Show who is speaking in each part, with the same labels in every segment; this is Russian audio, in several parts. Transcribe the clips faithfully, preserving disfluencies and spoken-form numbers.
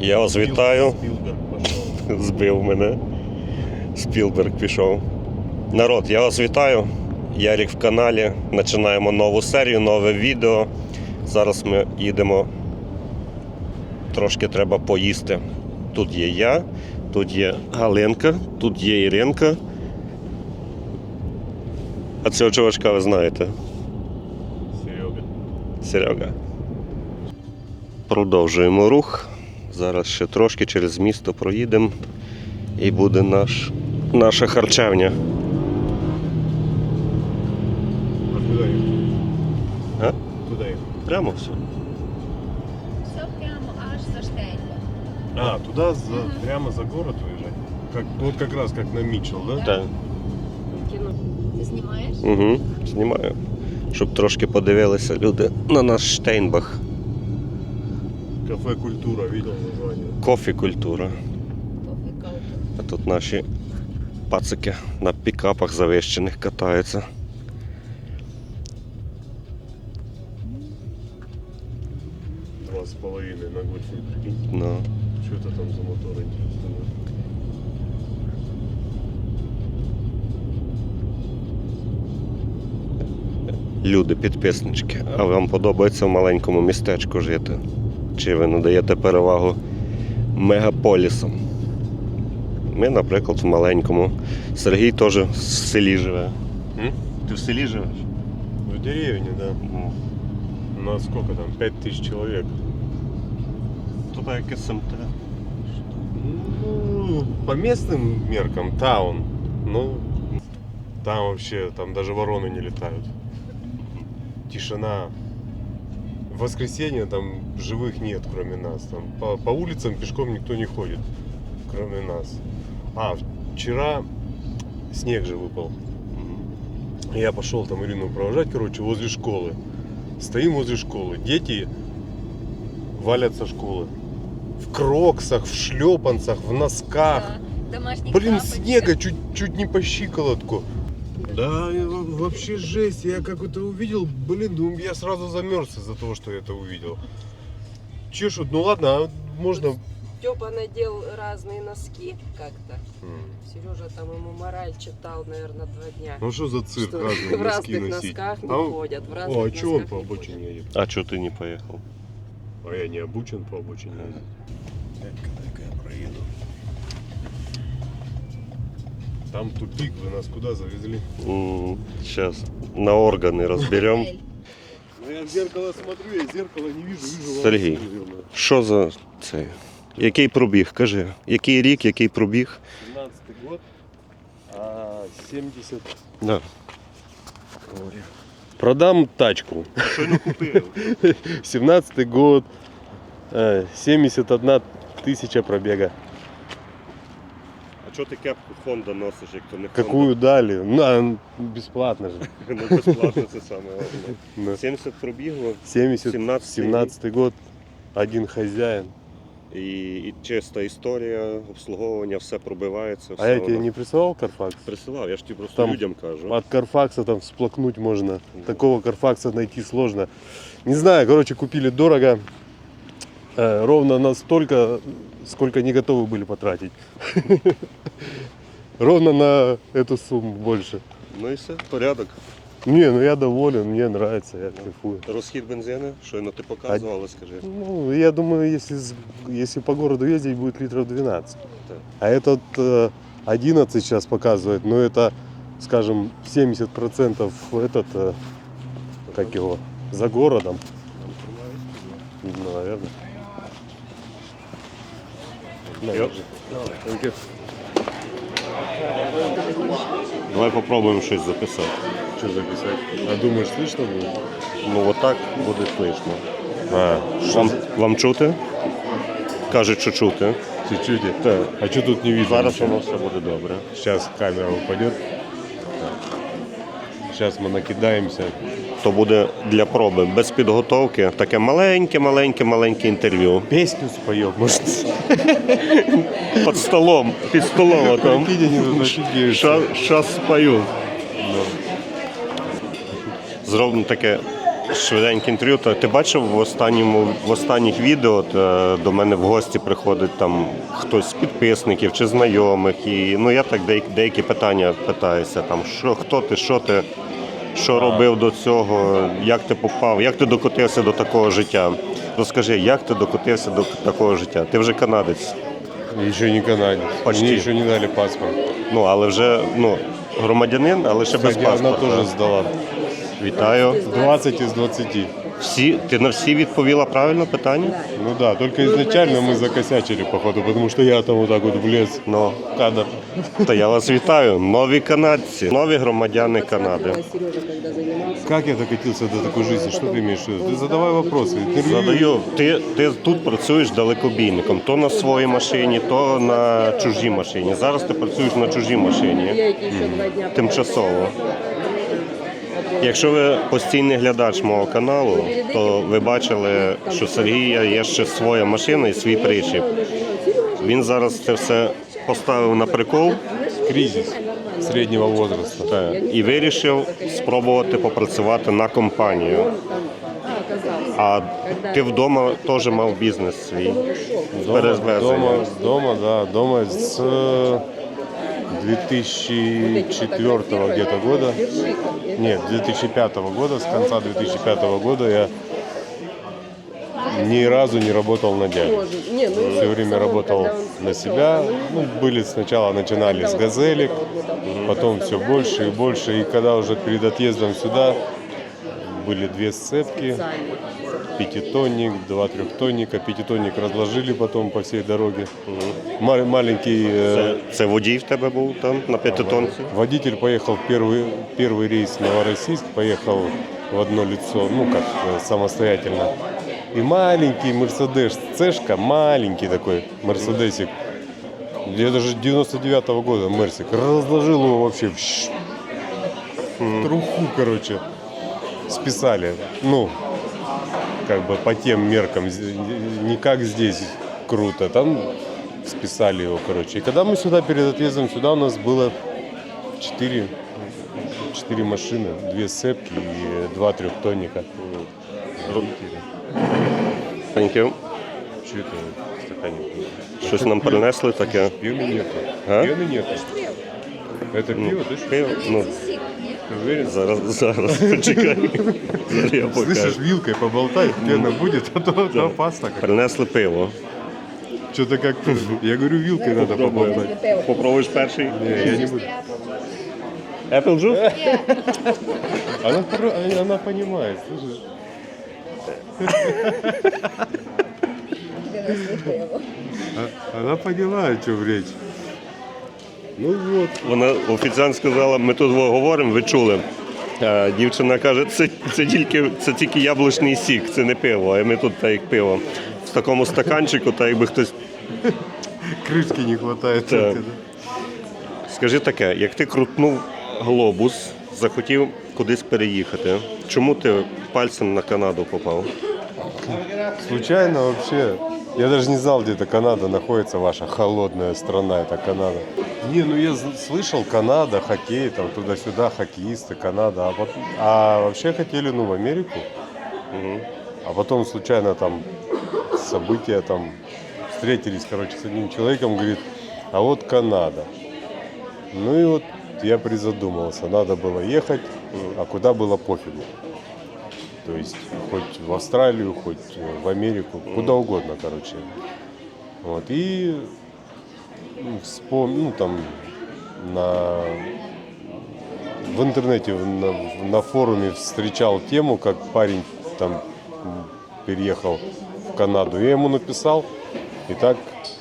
Speaker 1: Я вас вітаю.
Speaker 2: Спілберг пішов.
Speaker 1: Збив мене. Спілберг пішов. Народ, я вас вітаю. Ярік в каналі. Починаємо нову серію, нове відео. Зараз ми їдемо. Трошки треба поїсти. Тут є я, тут є Галинка, тут є Іринка. А цього чувачка ви знаєте?
Speaker 2: Серега.
Speaker 1: Серега. Продовжуємо рух. Зараз ще трошки через місто проїдемо і буде наш, наша харчевня.
Speaker 2: А куди їхати?
Speaker 1: А?
Speaker 2: Куди їхати?
Speaker 1: Прямо все.
Speaker 3: Все прямо аж за Штейнберг.
Speaker 2: А, туда за,
Speaker 3: Мгм.
Speaker 2: прямо за город уезжать? Как, вот как раз как на Митчелл, да?
Speaker 1: Так.
Speaker 3: Ти знімаєш?
Speaker 1: Угу. Знімаю. Щоб трошки подивилися люди на наш Штейнбах.
Speaker 2: Кафе «Культура», видел название?
Speaker 1: Кофі-культура.
Speaker 3: Кофі каутер.
Speaker 1: А тут наші пацики на пікапах завищених катаються.
Speaker 2: Два с половиной на гольфе, прикинь.
Speaker 1: Ну.
Speaker 2: Что это там за мотор, интересно?
Speaker 1: Люди, підписнички, а вам подобається в маленькому містечку жити? Чи ви надаєте перевагу мегаполісам? Ми, наприклад, в маленькому. Сергій теж в селі живе.
Speaker 2: М?
Speaker 1: Ти в селі живеш?
Speaker 2: В деревне, да.
Speaker 1: Ну.
Speaker 2: У нас сколько там? Пять тысяч человек.
Speaker 1: Тут як СМТ.
Speaker 2: Ну, по местным меркам таун. Ну, там вообще, там даже вороны не летают. Тишина. В воскресенье там живых нет, кроме нас. Там по, по улицам пешком никто не ходит, кроме нас. А, вчера снег же выпал. Я пошел там Ирину провожать, короче, возле школы. Стоим возле школы. Дети валят со школы. В кроксах, в шлепанцах, в носках.
Speaker 3: Да, домашніх
Speaker 2: Блин,
Speaker 3: тапочках.
Speaker 2: снега чуть, чуть не по щиколотку. Да, и во- вообще жесть. Я как это увидел, блин, ну, я сразу замерз из-за того, что я это увидел. Чешут, ну ладно, а можно...
Speaker 4: Степа надел разные носки как-то.
Speaker 2: М.
Speaker 4: Сережа там ему мораль читал, наверное, два дня.
Speaker 2: Ну что за цирк,
Speaker 4: Что
Speaker 2: разные
Speaker 4: в
Speaker 2: носки
Speaker 4: разных
Speaker 2: носить?
Speaker 4: носках не
Speaker 2: А он-
Speaker 4: ходят. В разных
Speaker 2: О, а что он
Speaker 4: носках
Speaker 2: по
Speaker 4: не
Speaker 2: обочине
Speaker 4: ходят.
Speaker 2: едет?
Speaker 1: А чого ти не поїхав?
Speaker 2: А я не обучен по обочине ездить. Когда я проеду. Там тупик, вы нас куда завезли?
Speaker 1: Зараз на органи розберемо.
Speaker 3: Готель.
Speaker 2: Ну я в зеркало смотрю, я зеркало не вижу, вижу вас,
Speaker 1: Сергей.
Speaker 2: наверное.
Speaker 1: Що за це? Який пробіг? Кажи. Який рік, який пробіг?
Speaker 2: семнадцатый год, а семьдесят...
Speaker 1: Да.
Speaker 2: Продам тачку.
Speaker 1: Щойно купив.
Speaker 2: семнадцатый год, э, семьдесят одна тысяча пробега.
Speaker 1: А чого ти кепку Honda носиш, як то не Honda?
Speaker 2: Какую дали? Ну, а, бесплатно же.
Speaker 1: Ну, безплатно це саме головне.
Speaker 2: Да.
Speaker 1: сімдесят пробігло
Speaker 2: семьдесят,
Speaker 1: семнадцатый
Speaker 2: семнадцатый год, один хозяин.
Speaker 1: і, і чиста історія, обслуговування, все пробивається. Все
Speaker 2: А я тебе
Speaker 1: воно.
Speaker 2: не присылал Карфакс?
Speaker 1: Присилав, я ж тобі просто
Speaker 2: Там
Speaker 1: людям кажу.
Speaker 2: От Карфакса там всплакнуть можно. Такого Карфакса найти сложно. Не знаю, короче, купили дорого. Э, ровно настолько, сколько не готовы были потратить. Ровно на эту сумму больше.
Speaker 1: Ну і все, порядок.
Speaker 2: Не, ну я доволен, мне нравится, я кайфую.
Speaker 1: Розхід бензину, щойно ти показував, але скажи.
Speaker 2: Ну, я думаю, если, с- если по городу ездить, будет литров двенадцать.
Speaker 1: Так.
Speaker 2: А этот э, одиннадцать сейчас показывает, но это, скажем, семьдесят процентов этот, э, как его, за городом. Ну, наверное.
Speaker 1: Йоп. Давай попробуємо щось записати.
Speaker 2: Что записать? А думаешь, слышно будет?
Speaker 1: Ну отак буде слышно.
Speaker 2: А,
Speaker 1: Вам, вам чути? Кажуть, що чути.
Speaker 2: чуть-чуть. А что тут не видно?
Speaker 1: Зараз
Speaker 2: ничего?
Speaker 1: воно все буде добре.
Speaker 2: Сейчас камера упадет. Сейчас мы накидаемся.
Speaker 1: То буде для проби, без підготовки. Таке маленьке-маленьке-маленьке інтерв'ю.
Speaker 2: Песню споем, может.
Speaker 1: Під столом, під столом там.
Speaker 2: Прикинь, они тут офигеют.
Speaker 1: Щас спою. Зробимо таке швиденьке інтерв'ю. Та Ти бачив в останньому в останніх відео е, до мене в гості приходить там хтось з підписників чи знайомих. І ну я так деякі, деякі питання питаюся. Там що, хто ти, що ти, що робив до цього, як ти попав, як ти докотився до такого життя. Розкажи, як ти докотився до такого життя? Ти вже канадець.
Speaker 2: Еще не канадец.
Speaker 1: Почти.
Speaker 2: Мне еще не дали паспорт.
Speaker 1: Ну, але вже ну, громадянин, але ще без
Speaker 2: Кстати, она
Speaker 1: паспорта.
Speaker 2: тоже сдала.
Speaker 1: Вітаю.
Speaker 2: двадцать из двадцати.
Speaker 1: Всі, ти на всі відповіла правильно питання?
Speaker 2: Ну да, только изначально мы закосячили, походу, потому что я там вот так вот влез
Speaker 1: Ну,
Speaker 2: в кадр.
Speaker 1: то я вас вітаю. Нові канадці, нові громадяни Канади.
Speaker 4: Сережа, когда занимался.
Speaker 2: Как я докатился до такой жизни? Что ты имеешь в виду? Ты задавай вопросы. Интервью.
Speaker 1: Задаю, ти, ти тут працюєш далекобійником, то на своїй машині, то на чужій машині. Зараз ти працюєш на чужій машині,
Speaker 4: Я эти еще два дня.
Speaker 1: тимчасово. Якщо ви постійний глядач мого каналу, то ви бачили, що Сергія є ще своя машина і свій причіп. Він зараз це все поставив на прикол
Speaker 2: Кризис среднего возраста.
Speaker 1: та, і вирішив спробувати попрацювати на компанію. А ти вдома теж мав бізнес свій.
Speaker 2: Дома,
Speaker 1: Перезвезення.
Speaker 2: дома, дома, да, дома с две тысячи четвёртого где-то года, нет, две тысячи пятого года, с конца две тысячи пятого года я ни разу не работал на дядю.
Speaker 4: Не, ну,
Speaker 2: Все время работал на себя. Ну, были сначала начинали с газелек, потом все больше и больше. И когда уже перед отъездом сюда были две сцепки, пятитонник, два трехтонника. Пятитонник разложили потом по всей дороге. Ма- Маленький э,
Speaker 1: Це, це водій в тебе був там на п'ятитонці?
Speaker 2: водитель поехал в первый, первый рейс в Новороссийск, поехал в одно лицо, ну как э, самостоятельно. И маленький Мерседес, цешка, маленький такой Мерседесик. Я даже девяносто девятого года Мерсик. Разложил его вообще в, щ- в труху, короче. Списали. Ну, как бы по тем меркам. з- Не как здесь круто. Там списали его, короче. И когда мы сюда, перед отъездом сюда, у нас было четыре, четыре машины. Две сцепки и два трехтонника.
Speaker 1: Thank you.
Speaker 2: Что это стаканник?
Speaker 1: Щось нам принесли таке.
Speaker 2: Пены нету.
Speaker 1: А?
Speaker 2: Пены нету. Это пиво, ты что?
Speaker 1: Пиво? Ну,
Speaker 2: Ты уверен?
Speaker 1: зараз, зараз, почекай. Зараз я покажу.
Speaker 2: Слышишь, вилкой поболтай, пена будет, а то это опасно.
Speaker 1: Принесли пиво.
Speaker 2: Что-то как я говорю, вилкой надо поболтать.
Speaker 1: Попробуєш перший?
Speaker 2: Не, я не буду.
Speaker 1: Apple Juice?
Speaker 2: Она, хоро- она понимает, слышишь? А- Она поняла, о чем речь. Ну вот.
Speaker 1: Вона офіціант сказала, ми тут говоримо, ви чули. А дівчина каже, це, це, тільки, це тільки яблучний сік, це не пиво, а ми тут так як пиво. В такому стаканчику, так якби хтось.
Speaker 2: Крышки не хватает.
Speaker 1: Так. Скажи таке, як ти крутнув глобус, захотів кудись переїхати, чому ти пальцем на Канаду попав?
Speaker 2: Случайно вообще. Я даже не знал, где-то Канада находится, ваша холодная страна, это Канада. Не, ну я з- слышал, Канада, хоккей, там туда-сюда, хоккеисты, Канада. А, пот- а вообще хотели, ну, в Америку. А потом случайно там события, там встретились, короче, с одним человеком, говорит, а вот Канада. Ну и вот я призадумался, надо было ехать, а куда было пофигу. То есть хоть в Австралию, хоть в Америку, куда угодно, короче. Вот, и ну, вспом... ну там на... в интернете, на, на форуме встречал тему, как парень там м, переехал в Канаду. Я ему написал, и так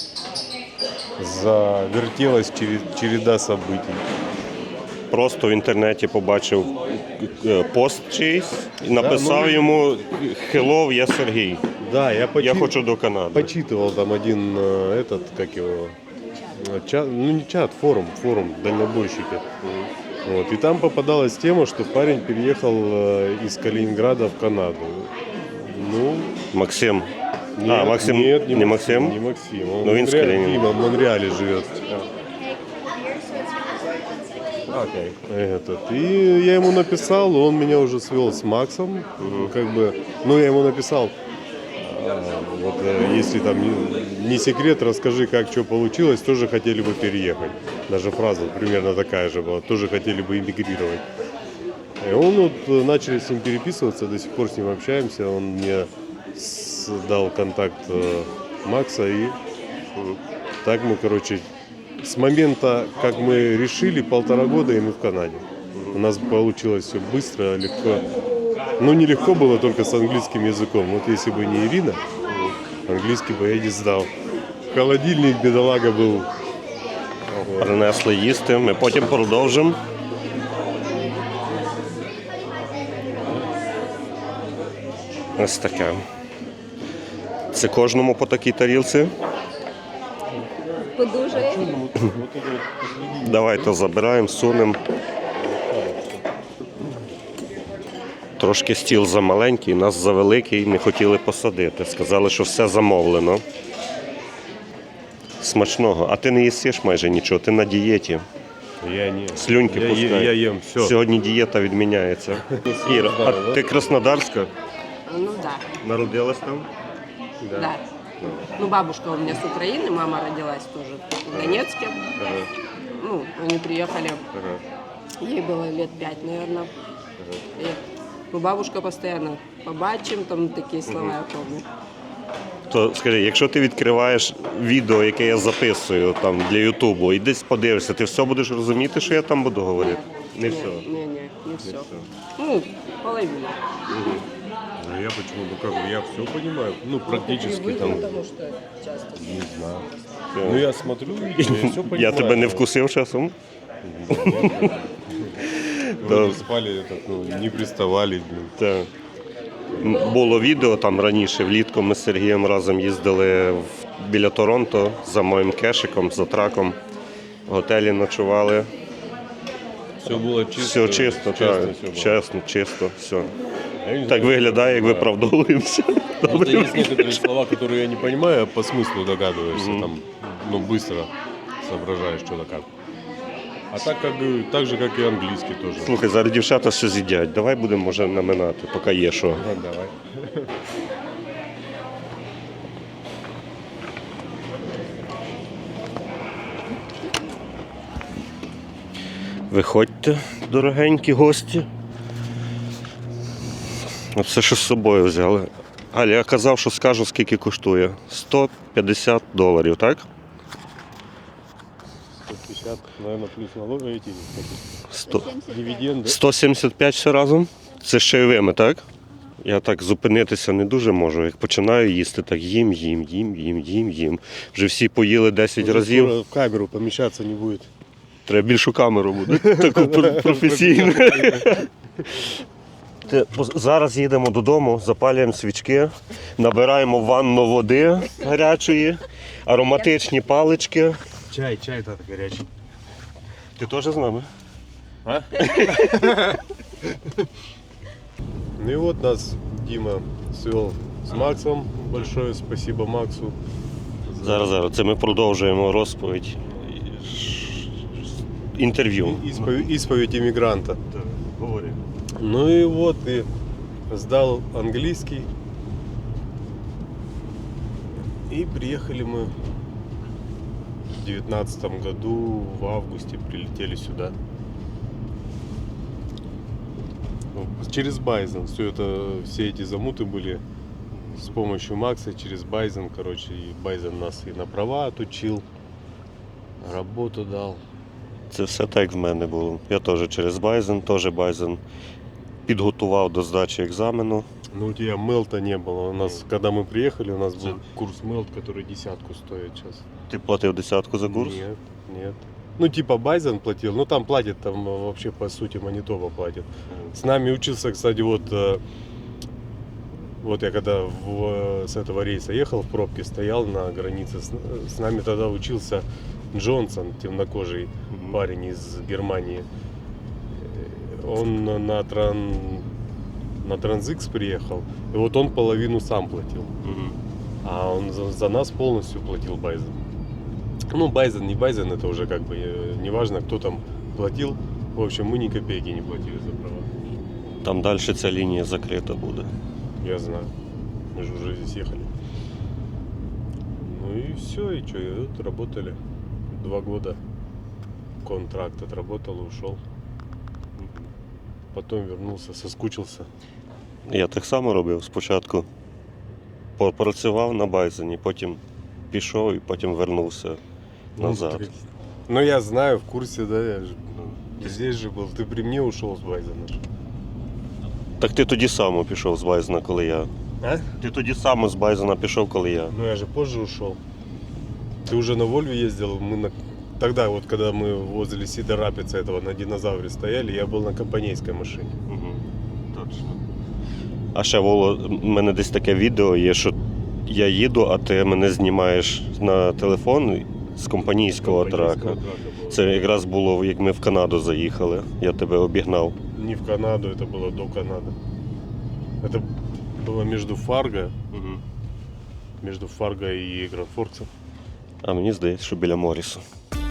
Speaker 2: завертелась чере- череда событий.
Speaker 1: Просто в інтернеті побачив е, пост чийсь і написав
Speaker 2: ну,
Speaker 1: йому «Hello, я Сергій,
Speaker 2: Да, я,
Speaker 1: я
Speaker 2: почи-
Speaker 1: хочу до Канади».
Speaker 2: почитывал там один э, этот, как его, э, чат, ну не чат, форум, форум дальнобойщики. Вот, и там попадалась тема, что парень переехал э, из Калининграда в Канаду. Ну,
Speaker 1: Максим.
Speaker 2: нет,
Speaker 1: а, Максим,
Speaker 2: нет,
Speaker 1: не Максим?
Speaker 2: Не Максим. Он
Speaker 1: Ну,
Speaker 2: в
Speaker 1: він з
Speaker 2: Монреале-
Speaker 1: Калининграда.
Speaker 2: Дима в Монреале живет.
Speaker 1: Окей.
Speaker 2: Этот. И я ему написал, он меня уже свел с Максом. Как бы, ну, я ему написал, а, вот э, если там не, не секрет, расскажи, как что получилось, тоже хотели бы переехать. Даже фраза примерно такая же была, тоже хотели бы эмигрировать. И он вот э, начали с ним переписываться, до сих пор с ним общаемся. Он мне с- дал контакт э, Макса, и э, так мы, короче, с момента, как мы решили, полтора года, и мы в Канаде. У нас получилось все быстро, легко. Ну, не легко было только с английским языком. Вот если бы не Ирина, английский бы я не сдал. Холодильник, бедолага, был.
Speaker 1: Принесли їсти, ми потім продовжимо. Ось таке. Це кожному по такій тарілці.
Speaker 3: Подужає.
Speaker 1: Давайте забираємо, сунемо. Трошки стіл замаленький, нас завеликий, не хотіли посадити. Сказали, що все замовлено. Смачного. А ти не їсиш майже нічого, ти на дієті.
Speaker 2: Я не.
Speaker 1: Слюньки
Speaker 2: я,
Speaker 1: пускай.
Speaker 2: я, я ем все.
Speaker 1: Сьогодні дієта відміняється. Іра, а ти краснодарська?
Speaker 4: Ну да,
Speaker 1: Народилась там?
Speaker 4: да. Ну, бабушка у меня с Украины, мама родилась тоже в Донецке. Ну, они приехали, ей было лет пять, наверное. И, ну, бабушка постоянно побачим, там такие слова я помню.
Speaker 1: То скажи, якщо ти відкриваєш відео, яке я записую там для Ютубу, і десь подивишся, ти все будеш розуміти, що я там буду говорити? Не все.
Speaker 4: Не, не, не все. Ну, половина.
Speaker 2: А я почему? Ну как бы я все понимаю. Ну, практически там.
Speaker 4: Потому что часто.
Speaker 2: Не знаю. Ну я смотрю, видео, я все понимаю.
Speaker 1: Я тебе не вкусив часом?
Speaker 2: Вы не спали, этот, ну, не приставали. Блин.
Speaker 1: Так. М, Було відео там раніше, влітку ми з Сергієм разом їздили в- біля Торонто за моїм кешиком, за траком. В готелі ночували.
Speaker 2: Все было чисто.
Speaker 1: Все чисто,
Speaker 2: честно
Speaker 1: так.
Speaker 2: все было.
Speaker 1: Чесно, чисто, все.
Speaker 2: Я не
Speaker 1: Так
Speaker 2: знаю,
Speaker 1: виглядає, як
Speaker 2: да.
Speaker 1: виправдовуємося.
Speaker 2: Просто есть некоторые слова, которые я не понимаю, а по смыслу догадываешься. Там, ну, быстро соображаешь, что-то как. А так, как, и- так же, как и английский тоже.
Speaker 1: Слухай, зараз дівчата все з'їдять. Давай будемо, може, наминати, поки є що.
Speaker 2: Ну, давай.
Speaker 1: Виходьте, дорогенькі гості. Оце що з собою взяли. Аля, я казав, що скажу, скільки коштує. сто п'ятдесят доларів, так?
Speaker 2: сто пятьдесят, наверное, плюс налоги эти.
Speaker 1: сто.
Speaker 2: Дивиденды.
Speaker 1: сто сімдесят п'ять все разом. Це з чайовими, так? Я так зупинитися не дуже можу. Як починаю їсти, так їм, їм, їм, їм, їм, їм. Вже всі поїли десять
Speaker 2: Уже
Speaker 1: разів.
Speaker 2: скоро в камеру помещаться не будет.
Speaker 1: Треба більшу камеру буде, таку пр- професійну. Те, пос- Зараз їдемо додому, запалюємо свічки, набираємо в ванну води гарячої, ароматичні палички.
Speaker 2: Чай, чай это горячий.
Speaker 1: Ти теж з нами?
Speaker 2: Ну и вот нас Дима свел с Максом. Большое спасибо Максу.
Speaker 1: Зараз, зараз. Це ми продовжуємо розповідь. Інтерв'ю.
Speaker 2: Исповедь, исповедь иммигранта.
Speaker 1: Говори.
Speaker 2: Ну и вот, и сдал английский. И приехали мы в девятнадцатом году, в августе прилетели сюда. Через Байзен. Все это, все эти замуты были с помощью Макса через Байзен, короче. И Байзен нас и на права отучил, работу дал.
Speaker 1: Це все так як в мене було. Я теж через Байзен, теж Байзен підготував до здачі екзамену.
Speaker 2: Ну у тебя мелта не было. У нас, когда мы приехали, у нас был курс мелт, который десятку стоит сейчас.
Speaker 1: Ти платив десятку за курс?
Speaker 2: Нет, нет. Ну типа Байзен платил, ну там платит, там вообще по сути Манитоба платит. С нами учился, кстати, вот, э, вот я когда в, с этого рейса ехал, в пробке стоял на границе, с, с нами тогда учился Джонсон, темнокожий парень из Германии. Он на, тран, на Транзикс приехал, и вот он половину сам платил.
Speaker 1: Мгм.
Speaker 2: А он за, за нас полностью платил Байзен. Ну, Байзен, не Байзен, это уже как бы э, неважно, кто там платил. В общем, мы ни копейки не платили за права.
Speaker 1: Там далі ця лінія закрита буде.
Speaker 2: Я знаю. Мы же уже здесь ехали. Ну и все, и что, и вот работали. Два года контракт отработал и ушел. Потом вернулся, соскучился.
Speaker 1: Я так само робив спочатку. Попрацював на Байзені, потім пішов і потім вернувся назад.
Speaker 2: Ну я знаю, в курсе, да, я же, ну, ты здесь же был, ты при мне ушел с Байзена. же.
Speaker 1: Так ти тоді само пішов з Байзена, коли я.
Speaker 2: А?
Speaker 1: Ти тоді само з Байзена пішов, коли я.
Speaker 2: Ну я же позже ушел. Ты уже на Вольве ездил, мы на... Тогда вот, когда мы возле Сида Рапица этого на динозавре стояли, я был на компанейской машине.
Speaker 1: Угу. Точно. А ще Воло, в мене десь таке відео є, що я їду, а ти мене знімаєш на телефон з компанійського трака.
Speaker 2: Компанейского трака было.
Speaker 1: Це якраз було, як ми в Канаду заїхали. Я тебе обігнав.
Speaker 2: Не в Канаду, это было до Канады. Это было между Фарго,
Speaker 1: Угу.
Speaker 2: между Фарго и Гранфорксом.
Speaker 1: А мені здається, що біля Морісу.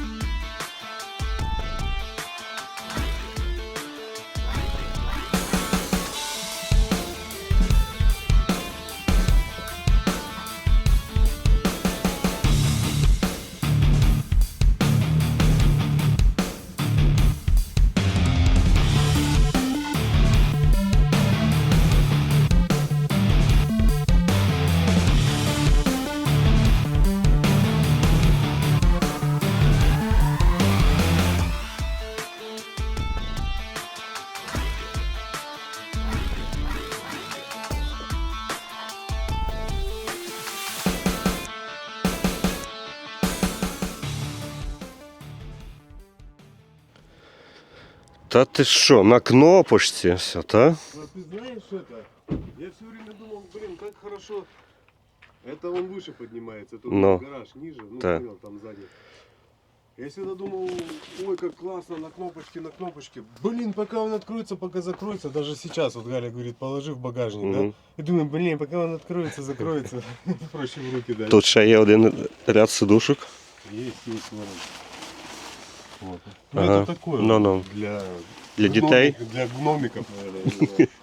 Speaker 1: Та ти що, на кнопочці все, та?
Speaker 2: А ты знаешь это? Я все время думал, блин, как хорошо. Это он выше поднимается, тут
Speaker 1: Но.
Speaker 2: гараж ниже, ну
Speaker 1: Да.
Speaker 2: понял, там сзади. Я всегда думал, ой, как классно, на кнопочке, на кнопочке. Блин, пока он откроется, пока закроется. Даже сейчас, вот Галя говорит, положи в багажник,
Speaker 1: Мгм.
Speaker 2: да? И думаю, блин, пока он откроется, закроется, проще в руки дать.
Speaker 1: Тут ще є один ряд сидушок.
Speaker 2: Есть, есть, ворон. Вот. Ну,
Speaker 1: Ага.
Speaker 2: это такое
Speaker 1: Ну,
Speaker 2: вот
Speaker 1: ну.
Speaker 2: для...
Speaker 1: Для дітей.
Speaker 2: гномик- Для гномиков, наверное. я не знаю.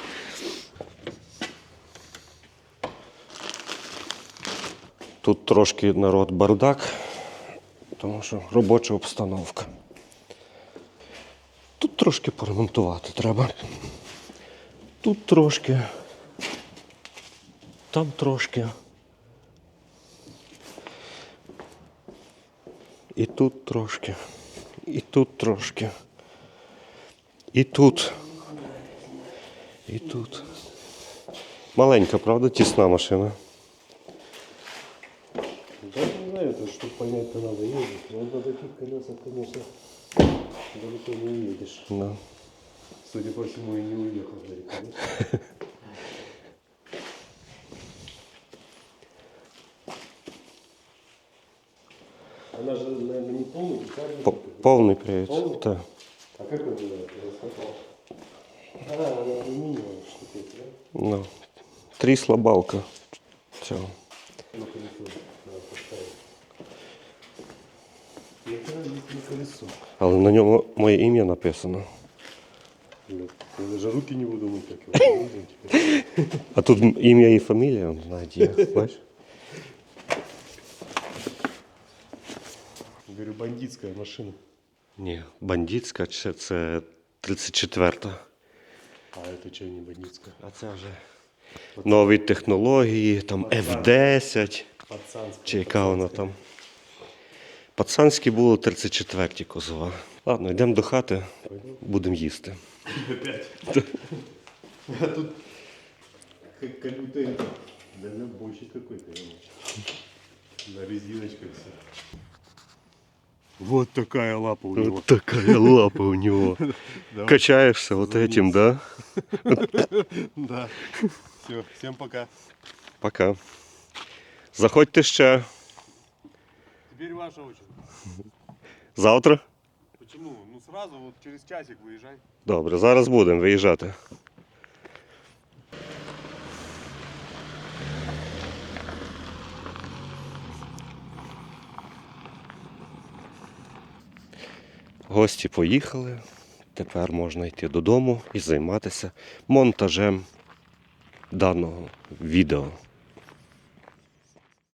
Speaker 1: Тут трошки народ бардак, тому що робоча обстановка. Тут трошки поремонтувати треба. Тут трошки. Там трошки. І тут трошки. І тут трошки. І тут. І тут. Маленька, правда, тісна машина.
Speaker 2: Да, не знаю, это чтобы понять-то надо ездить. Но на таких колесах, конечно, далеко не уедешь.
Speaker 1: Да.
Speaker 2: Судя по всему, и не уехал далеко. да? Она же, наверное, не полный, специальный.
Speaker 1: П- Повний привід.
Speaker 2: Повний?
Speaker 1: Так.
Speaker 2: А как он называется? А, она алюминиевая штука, да?
Speaker 1: Ну, трісла балка цього.
Speaker 2: Ну, колесо надо поставить. Яка не колесо?
Speaker 1: Але на ньому моє ім'я написано.
Speaker 2: Блин, я даже руки не буду мыть, как его буду теперь.
Speaker 1: А тут ім'я і фамілія, навіть є, бачиш?
Speaker 2: Говорю, бандитская машина.
Speaker 1: Ні, бандитська чи це тридцять четверта.
Speaker 2: А это что, не бандитская?
Speaker 1: А це вже нові технології, там еф десять,
Speaker 2: Пацанская.
Speaker 1: чи яка вона там. Пацанські були тридцять четверті кузова. Ладно, йдемо до хати, будемо їсти.
Speaker 2: Опять. А тут как, как будто это дальнобойщик какой-то. На резиночках все. Вот такая лапа у него.
Speaker 1: Ось така лапа у нього.
Speaker 2: Давай.
Speaker 1: Качаєшся вот этим, да?
Speaker 2: Да. Все, всем пока.
Speaker 1: Пока. Заходьте ще.
Speaker 2: Теперь ваша очередь.
Speaker 1: Завтра?
Speaker 2: Почему? Ну сразу вот через часик выезжай.
Speaker 1: Добре, зараз будемо виїжджати. Гості поїхали, тепер можна йти додому і займатися монтажем даного відео.